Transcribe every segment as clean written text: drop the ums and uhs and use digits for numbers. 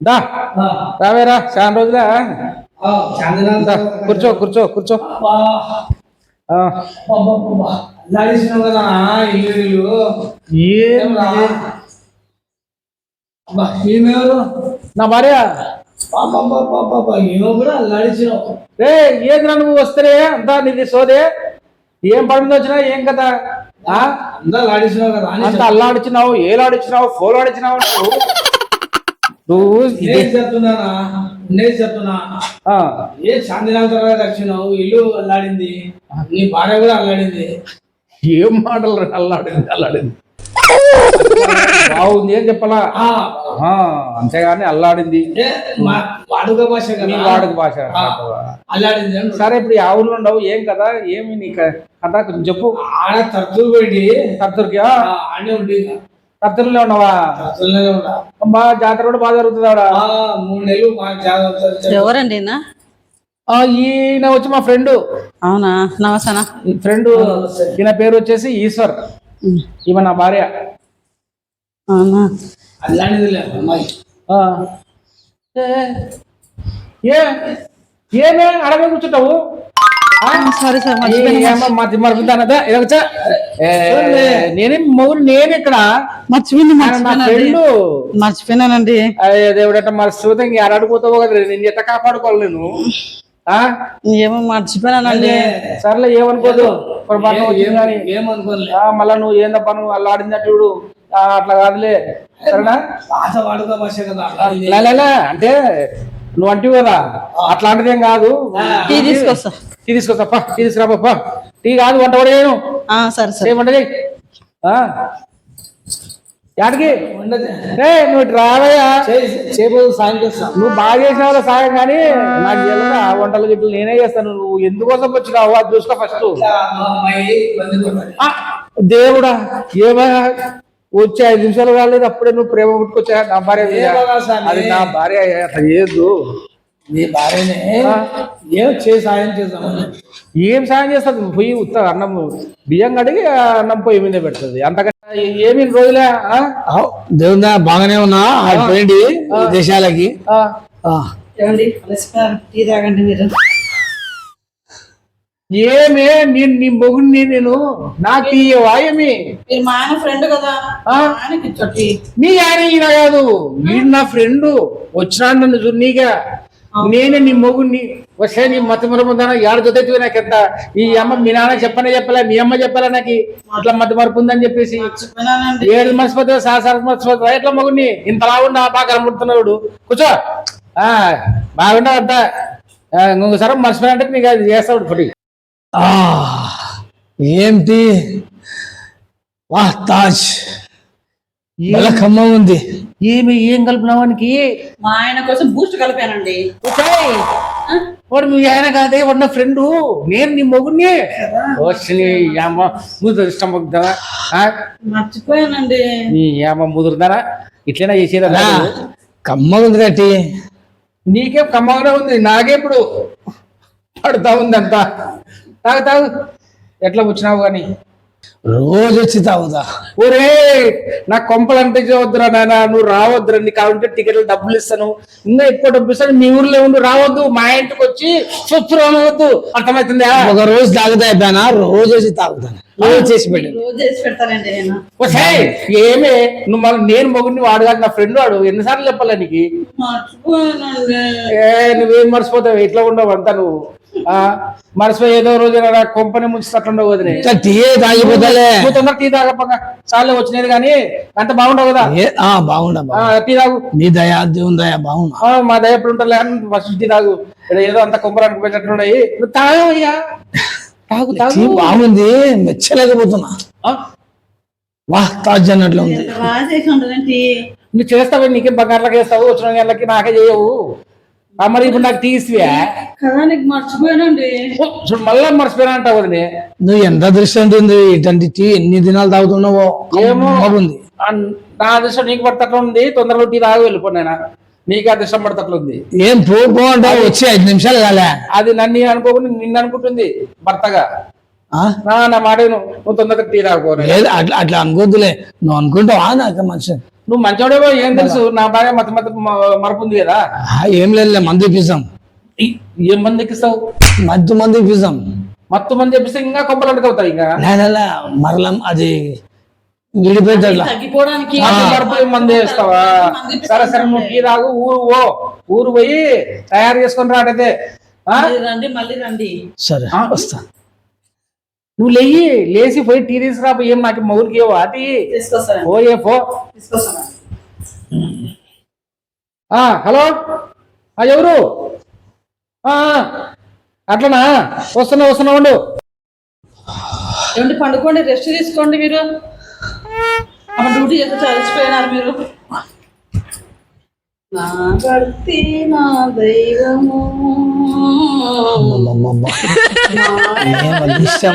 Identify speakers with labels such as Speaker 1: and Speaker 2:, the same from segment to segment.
Speaker 1: దా రావేరా చాలా రోజులా దా, కూర్చో కూర్చో కూర్చో ఆ,
Speaker 2: నడిచినావు కదా ఇల్లు
Speaker 1: ఏం
Speaker 2: ఈమెవరు
Speaker 1: నా భార్య
Speaker 2: ఈమె కూడా నడిచినావు.
Speaker 1: రే ఏంద్రా నువ్వు వస్తేనే అంతా నీది సోదే ఏం పడి మీద వచ్చినా ఏం కదా
Speaker 2: అంతా నడిచినావు కదా అని
Speaker 1: అంత అల్లాడిచ్చినావు ఏలాడిచ్చినావు ఫోన్ ఆడిచ్చినావు నువ్వు
Speaker 2: నేను చెప్తున్నానా నేను చెప్తున్నా
Speaker 1: ఆ,
Speaker 2: ఏ శాంతినాథ తర్వాత వచ్చినావు ఇల్లు అల్లాడింది నీ భార్య కూడా అల్లాడింది.
Speaker 1: ఏం మాటలు రా, అల్లాడింది అల్లాడింది బాగుంది ఏం చెప్పాలా
Speaker 2: ఆ,
Speaker 1: ఆ, అంతేగాని అల్లాడింది
Speaker 2: ఏ వాడుక భాష
Speaker 1: నీ
Speaker 2: కదా
Speaker 1: వాడుక భాష
Speaker 2: ఆ, అల్లాడింది అని.
Speaker 1: సరే ఇప్పుడు ఆ ఊర్లో ఉండవు ఏం కదా ఏమి నీ కథ కొంచెం చెప్పు
Speaker 2: ఆడ తరచూ పెట్టి
Speaker 1: కర్తూరుకి
Speaker 2: ఆడే ఉండి
Speaker 1: కర్తూరులో ఉన్నావా
Speaker 2: తరచులోనే ఉన్నా.
Speaker 1: అమ్మా జాతర కూడా బాగా జరుగుతుంది ఆడ
Speaker 2: 3 నెలలు మాకు జాగ్రత్త.
Speaker 3: ఎవరండి ఈయన?
Speaker 1: ఈయన వచ్చి మా ఫ్రెండ్
Speaker 3: అవునా, నమస్తేనా.
Speaker 1: ఫ్రెండ్ ఈయన పేరు వచ్చేసి ఈశ్వర్ ఈమె నా భార్య
Speaker 3: అవునా,
Speaker 2: అల్లాడిందిలే అమ్మాయి.
Speaker 1: ఆ. ఏ ఏమే అడగ కూర్చుంటావు
Speaker 3: సారీ సార్,
Speaker 1: నేనేం మౌరు నేను ఇక్కడ
Speaker 3: మర్చిపోయినానండి.
Speaker 1: దేవుడట మరి సూతం అడడిపోతావు కదా నేను ఎట్ట కాపాడుకోవాలి నేను
Speaker 3: ఏమో మర్చిపోయినానండి.
Speaker 1: సర్లే ఏమనుకోదు పొరపాటున వచ్చింది కానీ
Speaker 2: ఏమనుకోలే
Speaker 1: మళ్ళా నువ్వు ఏందప్ప నువ్వు అలా ఆడిందా చూడు అట్లా కాదులే సరేనా
Speaker 2: భాష వాడుక భాష కదా.
Speaker 1: లేలే అంటే నువ్వు అంటివి కదా అట్లాంటిదేం కాదు
Speaker 3: టీ తీసుకొస్తా.
Speaker 1: టీ తీసుకొస్తాప్ప టీ తీసుకురాపా టీ కాదు వంట కూడా చేయను
Speaker 3: సరే సరే.
Speaker 1: ఏమంట యాడికి
Speaker 2: ఉండదు.
Speaker 1: నువ్వు ఇటు రావయ్యా
Speaker 2: చేయబోదు సాయం చేస్తా.
Speaker 1: నువ్వు బాగా చేసిన వాళ్ళ సాయం కానీ నాకు తెలియదు ఆ వంటలు గిట్లు నేనే చేస్తాను నువ్వు ఎందుకోసం వచ్చినావు అది చూసుకో ఫస్ట్
Speaker 2: ఇట్లా మా అమ్మాయి ఇబ్బంది పడుతుంది.
Speaker 1: దేవుడా ఏమా వచ్చి 5 నిమిషాలు కాలేదు అప్పుడే నువ్వు ప్రేమ పుట్టుకొచ్చా నా భార్య మీద.
Speaker 2: ఏమన్నా స్వామి?
Speaker 1: అది నా భార్య అట్లా చేయొద్దు
Speaker 2: నీ భార్యనే ఏం చేసి సాయం చేద్దామని.
Speaker 1: ఏం సాయం చేస్తుంది పొయ్యి ఉత్త అన్నం బియ్యం కడిగి అన్నం పొయ్యి మీద పెడుతుంది అంతకంటే ఏమి రోజులే
Speaker 2: దేవుడా బాగానే ఉన్నా పోయింది దేశాలకి.
Speaker 3: ఏమండి, టీ తాగండి మీరు.
Speaker 1: ఏమే నేను నీ మొగుడిని నేను నాకు తీయవా ఏమి
Speaker 3: మీరు మా ఆయన ఫ్రెండ్ కదా, ఆయనకి టీ.
Speaker 1: మీ ఆయన ఈయన కాదు వీడు నా ఫ్రెండ్ వచ్చినాడు నన్ను చూడనీగా నేనే నీ మొగుడిని వస్తే నీ మత మరుపుందా ఏడు జొత్తి నాకెంత ఈ అమ్మ మీ నాన్న చెప్పలే మీ అమ్మ చెప్పలే నాకు ఇట్లా మత మరుపు ఉందని చెప్పేసి
Speaker 3: మర్చిపోయినానండి.
Speaker 1: 7 మర్చిపోతే మర్చిపోతా ఎట్లా మొగుడిని ఇంతలా ఉండా బాగా కనబడుతున్నాడు కూర్చో బాగుండవు అంతా ఇంకొకసారి మర్చిపోయాలంటే నీకు అది చేస్తాడు పొడి
Speaker 2: ఏంటి వా తాజ్ ఖమ్మం ఉంది.
Speaker 1: ఏం కలిపినావానికి
Speaker 3: మా ఆయన కోసం బూస్ట్ కలిపానండి.
Speaker 1: వాడు మీ ఆయన కాదే వాడు నా ఫ్రెండ్ నేను నీ మొగుడిని ఇష్టం
Speaker 3: మర్చిపోయానండి.
Speaker 1: నీ ఏమ ముదురుదానా ఇట్లైనా చేసేదా
Speaker 2: ఖమ్మం ఉంది కట్టి
Speaker 1: నీకేం కమ్మగానే ఉంది నాకే ఇప్పుడు పడుతా ఉంది అంతా తాగు తాగు ఎట్లా వచ్చినావు కానీ
Speaker 2: రోజు వచ్చి తాగుదా.
Speaker 1: ఒరే నా కొంపలు అంటే వద్దురా నాయన నువ్వు రావద్దురా నీకు కావాలంటే టికెట్లు డబ్బులు ఇస్తాను ఇంకా ఎక్కువ డబ్బులు ఇస్తాను మీ ఊర్లో ఉండి రావద్దు మా ఇంటికి వచ్చి చూస్తూ రావద్దు అర్థమవుతుందా
Speaker 2: ఒక రోజు తాగుతా అయిపోయినా రోజు వచ్చి తాగుతాను రోజు చేసి పెట్టి
Speaker 3: రోజు చేసి పెడతానండి నేను.
Speaker 1: ఏమే నువ్వు మళ్ళీ నేను మొగుడిని వాడు కాదు నా ఫ్రెండ్ వాడు ఎన్నిసార్లు చెప్పాలా నీకు
Speaker 3: మర్చిపోయానండి.
Speaker 1: నువ్వేం మర్చిపోతావు ఇట్లా ఉండవు అంతా నువ్వు మర్చిపోయి ఏదో రోజు కొంపని ముంచుతట్లుండవు వదిలే
Speaker 2: టీ తాగిపోతాలే.
Speaker 1: నువ్వు తొందర టీ తాగప్పగా చాలే వచ్చినది కానీ అంత బాగుండవు కదా
Speaker 2: బాగుండా
Speaker 1: టీ తాగు
Speaker 2: నీ దయా దేవుని దయా బాగున్నా.
Speaker 1: మా దయ ఎప్పుడు ఉంటారు ఫస్ట్ టీ తాగు ఏదో అంత కొంపరానికి పెట్టినట్టున్నాయి నువ్వు తాగయ్యా తాగు తాగు
Speaker 2: బాగుంది మెచ్చలేకపోతున్నా. వా తాజ్ అన్నట్లు ఉంది.
Speaker 3: ఎంత బాగా చేసి ఉంటుందండి.
Speaker 1: నువ్వు చేస్తావు నీకే బంగారులకు వేస్తావు వచ్చిన గంటలకి నాకే చేయవు మరి ఇప్పుడు నాకు టీ ఇస్తువా
Speaker 3: కదా, నీకు మర్చిపోయానండి.
Speaker 1: చూడు మళ్ళా మర్చిపోయినా అంటావు వదిలే
Speaker 2: నువ్వు ఎంత అదృష్టం ఉంటుంది ఇటువంటి టీ ఎన్ని దినాలు తాగుతున్నావో
Speaker 1: ఏమో
Speaker 2: బాగుంది.
Speaker 1: నా అదృష్టం నీకు పడతట్లు ఉంది తొందరగా టీ తాగి వెళ్ళిపోయినా నీకు అదృష్టం పడతట్లు ఉంది.
Speaker 2: ఏం పోంటావు వచ్చి 5 నిమిషాలు కాలే
Speaker 1: అది నన్ను అనుకోకుండా నిన్ను అనుకుంటుంది భర్తగా నా మాట నువ్వు తొందరగా టీ తాగుకోను
Speaker 2: లేదు అట్లా అనుకోద్దులే నువ్వు అనుకుంటావా నాకు మంచి
Speaker 1: నువ్వు మంచోడేవో ఏం తెలుసు, నా భార్య మరపు ఉంది కదా.
Speaker 2: ఏం లేదు, మందు ఇప్పిస్తాం.
Speaker 1: ఏం మంది ఎక్కిస్తావు?
Speaker 2: మందు ఇప్పిస్తాం.
Speaker 1: మొత్తం మంది చెప్పిస్తే ఇంకా కొంపలు అడుగుతావు. ఇంకా
Speaker 2: మరలం అది విడిపోయేటట్లా.
Speaker 3: తగ్గిపోవడానికి
Speaker 1: మరపు మంది వేస్తావా? సరే సరే, నువ్వు టీ తాగు, ఊరు పోయి తయారు చేసుకొని రాడైతే.
Speaker 3: మళ్ళీ రండి.
Speaker 2: సరే వస్తా.
Speaker 1: నువ్వు లేచి పోయి టీ తీసుకురా. ఏం నాకు మొగుడికి ఇవ్వ టీ.
Speaker 3: తీసుకొస్తాను.
Speaker 1: పోయే పో.
Speaker 3: తీసుకొస్తాను.
Speaker 1: హలో, ఎవరు? అట్లనా? వస్తున్నా ఉండు.
Speaker 3: ఏమండి, పండుకోండి, రెస్ట్ తీసుకోండి. మీరు అప్పుడు డ్యూటీ చేస్తే చలిసిపోయినారు మీరు. నా భర్తీ నా దైవము,
Speaker 2: అదృష్టం.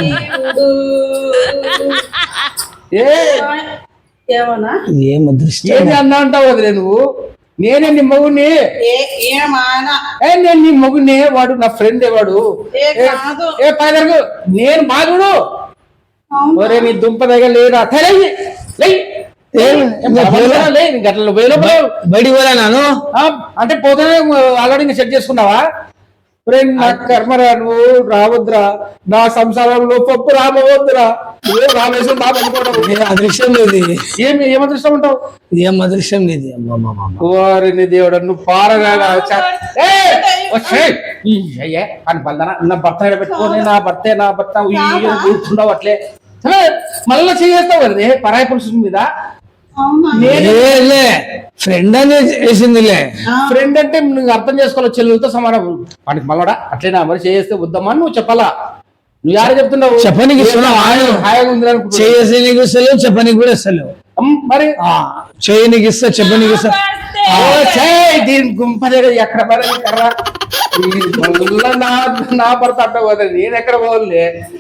Speaker 3: ఏమన్నా
Speaker 2: ఏం అదృష్టం.
Speaker 1: ఏంటి అన్నా అంటావు వదిలే నువ్వు? నేనే నీ మొగుడిని. నేను నీ మొగుడిని. వాడు నా ఫ్రెండ్. వాడు పైదరకు నేను బాగుడు. ఒరే నీ దుంప దగ్గర లేరా?
Speaker 2: బయటికి పోలే నాను
Speaker 1: అంటే పోతేనే ఆల్రెడీ సెట్ చేసుకున్నావా? నా కర్మరా, నువ్వు రావద్దురా నా సంసారంలో, పప్పు రామవద్దురా. నువ్వు రామేశ్వరం బాబు అనుకోవడం
Speaker 2: అదృష్టం లేదు.
Speaker 1: ఏం అదృష్టం ఉంటావు?
Speaker 2: ఏం అదృష్టం లేదు.
Speaker 1: ఓరిని దేవుడు, నువ్వు పారగా అని బలదన నా భర్త పెట్టుకొని నా భర్త కూర్చున్నావు అట్లే. సరే మళ్ళీ చేస్తావు కదా పరాయి పురుషుల మీద.
Speaker 2: ఫ్రెండ్ అని వేసిందిలే.
Speaker 1: ఫ్రెండ్ అంటే నువ్వు అర్థం చేసుకోవాలి, చెల్లెలతో సమానం. వాడికి మళ్ళా అట్లేనా మరి చేస్తే వద్దామా నువ్వు చెప్పాలా? నువ్వు యారు చెప్తున్నావు?
Speaker 2: చెప్పనికి
Speaker 1: హాయిగా ఉంది అనుకుంటున్నావు.
Speaker 2: చేసి నీకు ఇస్తలేవు, చెప్పనికి కూడా ఇస్తలేవు.
Speaker 1: మరి
Speaker 2: చేయనికి ఇస్తా, చెప్పనికి ఇస్తా.
Speaker 1: దీని గుంప ఎక్కడ పడేది కర్రా. మళ్ళా నా భర్త అట్ట పోతుంది, నేను ఎక్కడ పోలే.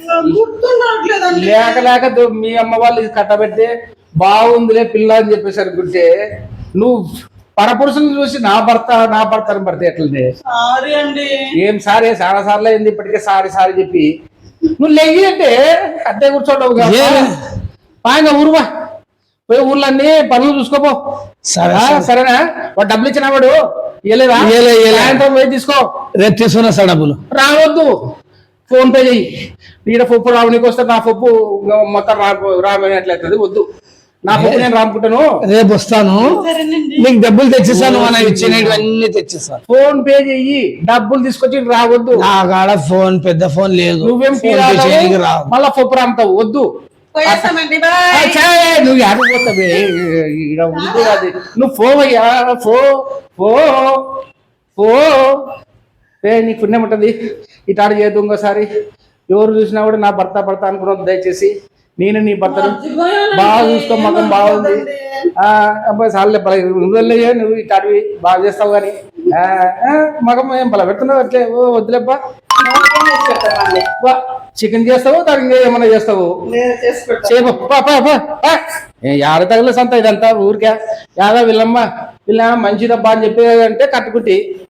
Speaker 1: లేక మీ అమ్మ వాళ్ళు ఇది కట్టబెడితే బాగుందిలే పిల్ల అని చెప్పేసి అనుకుంటే, నువ్వు పరపురుషులను చూసి నా భర్త అని పడితే ఎట్లనే? ఏం సారీ, చాలా సార్లు అయింది ఇప్పటికే. సారీ చెప్పి నువ్వు లెగ్గి అంటే అట్టే కూర్చోండవు. పాయంగా ఊరువా, పోయి ఊర్లన్నీ పనులు చూసుకోపో. సరేనా? వాడు డబ్బులు ఇచ్చిన వాడు ఇవ్వలేదా? పోయి తీసుకో.
Speaker 2: రేపు తీసుకున్నా సార్ డబ్బులు.
Speaker 1: రావద్దు, ఫోన్ పే చెయ్యి. ఈడ పప్పు రావు, నీకు వస్తే నా పప్పు మొత్తం రామట్లయితుంది. వద్దు, నా పప్పు నేను రాముకుంటాను.
Speaker 2: రేపు వస్తాను, నీకు డబ్బులు తెచ్చిస్తాను. మనం ఇచ్చినవన్నీ తెచ్చిస్తాను.
Speaker 1: ఫోన్ పే చెయ్యి, డబ్బులు తీసుకొచ్చి రావద్దు.
Speaker 2: నా కాడ ఫోన్, పెద్ద ఫోన్ లేదు.
Speaker 1: నువ్వేం మళ్ళా పప్పు రాముతావు. వద్దు, నువ్వు ఆడిపోతావే. అది నువ్వు పోవయ్యా, పో. నీకు పుణ్యం ఉంటుంది. ఇటాడు చేయదు ఇంకోసారి. ఎవరు చూసినా కూడా నా భర్త అనుకున్నావు. దయచేసి నేను నీ భర్తను బాగా చూసుకో. మగం బాగుంది. అబ్బాయి సార్లే నువ్వు నువ్వు ఇటాడివి బాగా చేస్తావు. కానీ మగం ఏం పలా పెడుతున్నావు అట్లే. వద్దులేబ్బా, చికెన్ చేస్తావు, దానికి ఏమన్నా చేస్తావు. యాడ తగల సంత ఇదంతా ఊరికే. యాదా వీళ్ళమ్మ మంచిదబ్బా అని చెప్పి అంటే కట్టుకుంటే